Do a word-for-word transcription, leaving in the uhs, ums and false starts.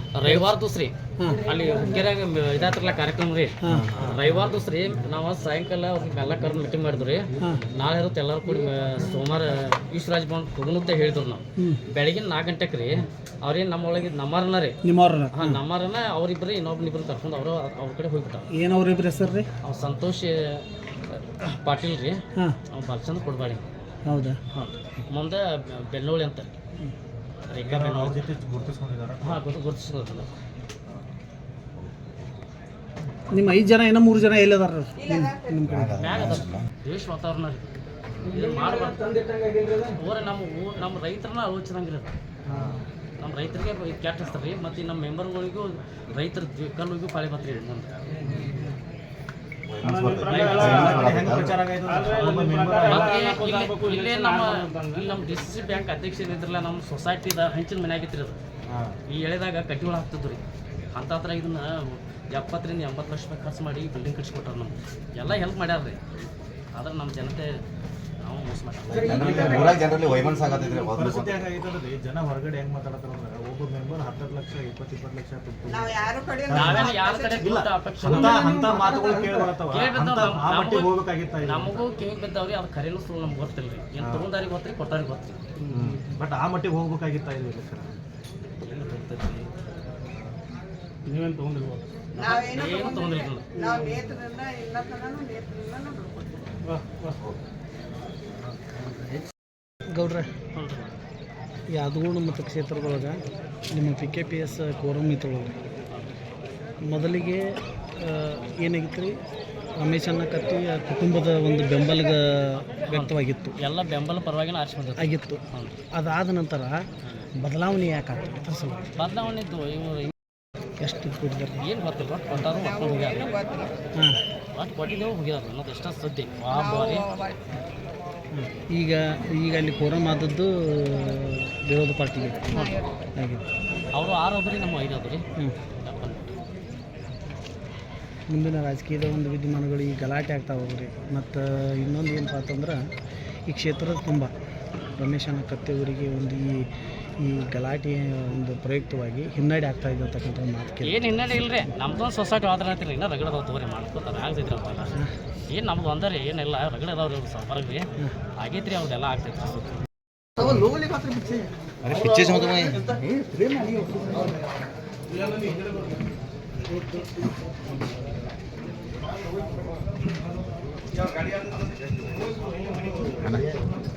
ರವಿವಾರ ದೂಸ್ರಿ ಅಲ್ಲಿ ಹುಕ್ಕೇರಿಯಾಗ ಇದಾತ್ರಲ್ಲ ಕಾರ್ಯಕ್ರಮ ರೀ ರವಿವಾರ ದೂಸ್ರಿ ನಾವು ಸಾಯಂಕಾಲ ಅವ್ರಿಗೆಲ್ಲ ಕರೆದು ಮೀಟಿಂಗ್ ಮಾಡಿದ್ವಿ ರೀ ನಾಳೆ ಇರುತ್ತೆ ಎಲ್ಲರೂ ಕೂಡಿ ಸೋಮವಾರ ಈಶ್ವರಾಜ್ ಭವನ್ ಹೋಗುನುತ್ತೆ ಹೇಳಿದ್ರು ನಾವು ಬೆಳಗಿನ ನಾಲ್ಕು ಗಂಟೆಗೆ ರೀ ಅವ್ರೇನು ನಮ್ಮ ಒಳಗೆ ನಮ್ಮರನ್ನ ರೀ ನಿಮ್ಮವ್ರನ್ನ ಹಾಂ ನಮ್ಮರನ್ನ ಅವ್ರಿಬ್ರು ಇನ್ನೊಬ್ರು ಇಬ್ರು ಕರ್ಕೊಂಡು ಅವರು ಅವ್ರ ಕಡೆ ಹೋಗ್ಬಿಟ್ಟಾರ. ಏನು ಅವ್ರಿಬ್ರು ಹೆಸರು ರೀ? ಅವ್ರು ಸಂತೋಷ್ ಪಾಟೀಲ್ ರೀ, ಹಾಂ ಅವ್ನು ಬಾಲಚಂದ್ರ ಕೊಡ್ಬಾಡಿ. ಹೌದಾ? ಹಾಂ ಮುಂದೆ ಬೆನ್ನೋಳಿ ಅಂತ ರೇಖಾ ಬೆನ್ನೋಳಿ ಜೊತೆ ಗುರುತಿಸ್ಕೊಂಡಿದ್ದಾರೆ. ಹಾಂ ಗುರು ಗುರುತಿಸ್ಕೊಂಡು ನಿಮ್ಮ ಐದು ಜನ ಏನೋ ಮೂರು ಜನ ಎಲ್ಲದಾರ ನಿಮ್ಮ ಕಡೆ ಮ್ಯಾಗ ಅದ ದೇಶ ವಾತಾವರಣ ರೀ ಇದನ್ನು ಮಾಡಬಾರ್ದು. ಓರೆ ನಮ್ಮ ಊ ನಮ್ಮ ರೈತರನ್ನ ಆಲೋಚಿಸಂಗಿರೋದು ನಮ್ಮ ರೈತರಿಗೆ ಕೆಟ್ಟ ಹಚ್ತಾರೆ ರೀ ಮತ್ತು ನಮ್ಮ ಮೆಂಬರ್ಗಳಿಗೂ ರೈತರ ಕಲ್ಲಿಗೂ ಪಾಳಿ ಬರ್ತೀರಿ ಮುಂದೆ. ಇಲ್ಲೇ ನಮ್ಮ ಇಲ್ಲಿ ನಮ್ಮ ಡಿ ಸಿ ಬ್ಯಾಂಕ್ ಅಧ್ಯಕ್ಷ ಇದ್ರಲ್ಲ ನಮ್ಮ ಸೊಸೈಟಿದ ಹಂಚಿನ ಮನೆ ಆಗಿತ್ತು ರೀ ಅದು. ಈ ಎಳೆದಾಗ ಕಟ್ಟಿಗಳು ಹಾಕ್ತಿದ್ರು ರೀ ಅಂತ ಹತ್ರ ಇದನ್ನ ಎಪ್ಪತ್ತರಿಂದ ಎಂಬತ್ತು ಲಕ್ಷ ರೂಪಾಯಿ ಖರ್ಚು ಮಾಡಿ ಬಿಲ್ಡಿಂಗ್ ಕಟ್ಸ್ಕೊಟ್ಟಾರ ನಮ್ಗೆ ಎಲ್ಲ ಹೆಲ್ಪ್ ಮಾಡ್ಯಾರ ರೀ. ಆದ್ರೆ ನಮ್ಮ ಜನತೆ ನಾವು ಮೋಸ ಮಾಡ್ತೀವಿ. ಜನ ಹೊರಗಡೆ ಹೆಂಗ್ ಮಾತಾಡ್ತಾರ ಅಂದ್ರೆ ಒಬ್ಬ ಮೆಂಬರ್ ಹತ್ತು ಲಕ್ಷ ಇಪ್ಪತ್ತು ಇಪ್ಪತ್ತು ಲಕ್ಷ ನಾವೇನು ಯಾರ ಕಡೆ ಅಪೇಕ್ಷೆ ಮಾತುಗಳು ಹೋಗ್ಬೇಕಾಗಿತ್ತ. ನಮಗೂ ಕಿವಿ ಬಿದ್ದಾವ್ರಿ ಅದು ಖರೇನು ಸುಳ್ಳು ನಮ್ಗೆ ಗೊತ್ತಿಲ್ಲ ರೀ. ಏನು ತಗೊಂಡಾರಿಗೆ ಗೊತ್ತ್ರಿ ಕೊಟ್ಟಾರಿಗೆ ಗೊತ್ತ್ರಿ. ಬಟ್ ಆ ಮಟ್ಟಿಗೆ ಹೋಗ್ಬೇಕಾಗಿತ್ತ ಇದು ಏನು ಗೊತ್ತೈತಿ ನೀವೇನು ತಗೊಂಡಿರ್ಬೋದು ಏನು ತಗೊಂಡಿಲ್ಲ. ಗೌಡ್ರೆ ಯಾದಗೋಡು ಮತ್ತು ಕ್ಷೇತ್ರದೊಳಗೆ ನಿಮ್ಮ P K P S quorum ಇತ್ತೊಳಗೆ ಮೊದಲಿಗೆ ಏನಾಗಿತ್ತು ರೀ ರಮೇಶ್ ಅನ್ನ ಕತ್ತಿ ಕುಟುಂಬದ ಒಂದು ಬೆಂಬಲ ವ್ಯಕ್ತವಾಗಿತ್ತು. ಎಲ್ಲ ಬೆಂಬಲ ಪರವಾಗಿನ ಆರಿಸಿ ಬಂದಿತ್ತು ಆಗಿತ್ತು. ಅದಾದ ನಂತರ ಬದಲಾವಣೆ ಯಾಕೆ ಆಗ್ತದೆ ಸಲ ಬದಲಾವಣೆ ಇದ್ದು ಇವು ಎಷ್ಟು ಕೊಟ್ಟಿದ್ದಾರೆ ಏನು ಗೊತ್ತಿಲ್ಲ ಕೊಟ್ಟಾರು ಮಕ್ಕಳು ಹೋಗ್ಯಾರ. ಹಾಂ ಒಟ್ಟು ಕೊಟ್ಟಿದ್ದೇವೆ ಹೋಗ್ಯಾರ ಅನ್ನೋದು ಎಷ್ಟೋ ಸದ್ಯ ವಾ ಬಾರಿ. ಈಗ ಈಗ ಅಲ್ಲಿ ಕೋರಮ್ ಆದದ್ದು ವಿರೋಧ ಪಾರ್ಟಿಗೆ ಆಗಿತ್ತು. ಅವರು ಆರು ಹೋದ್ರಿ ನಮ್ಮ ಐದು ಹೋದ್ರಿ. ಹ್ಞೂ ಮುಂದಿನ ರಾಜಕೀಯದ ಒಂದು ವಿದ್ಯಮಾನಗಳು ಈ ಗಲಾಟೆ ಆಗ್ತಾ ಹೋಗ್ರಿ. ಮತ್ತು ಇನ್ನೊಂದು ಏನಪ್ಪ ಅಂತಂದ್ರೆ ಈ ಕ್ಷೇತ್ರದ ತುಂಬ ರಮೇಶ್ ಅನ್ನ ಕತ್ತೆಯವರಿಗೆ ಒಂದು ಈ ಈ ಗಲಾಟೆಯ ಒಂದು ಪ್ರಯುಕ್ತವಾಗಿ ಹಿನ್ನಡೆ ಆಗ್ತಾ ಇದೆ ಅಂತಕ್ಕಂಥ ಮಾತು ಏನು ಹಿನ್ನಡೆ ಇಲ್ಲ ರೀ. ನಮ್ದೊಂದು ಸೊಸೈಟಿ ಆದ್ರೆ ಅಂತಿಲ್ಲ ಇನ್ನೂ ರಗಡದಾವ್ ತಗೋರಿ ಮಾಡ್ಕೊತಾರೆ ಆಗ್ತೈತ್ರಿ ಅವೆಲ್ಲ. ಏನು ನಮ್ದು ಒಂದರಿ ಏನಿಲ್ಲ ರಗಡ ಅದಾವ್ರಿ ಅವ್ರು ಹೊರಗೆ ಆಗೈತ್ರಿ ಅವ್ರದ್ದೆಲ್ಲ ಆಗ್ತೈತ್ರಿ. ಗಾಡಿ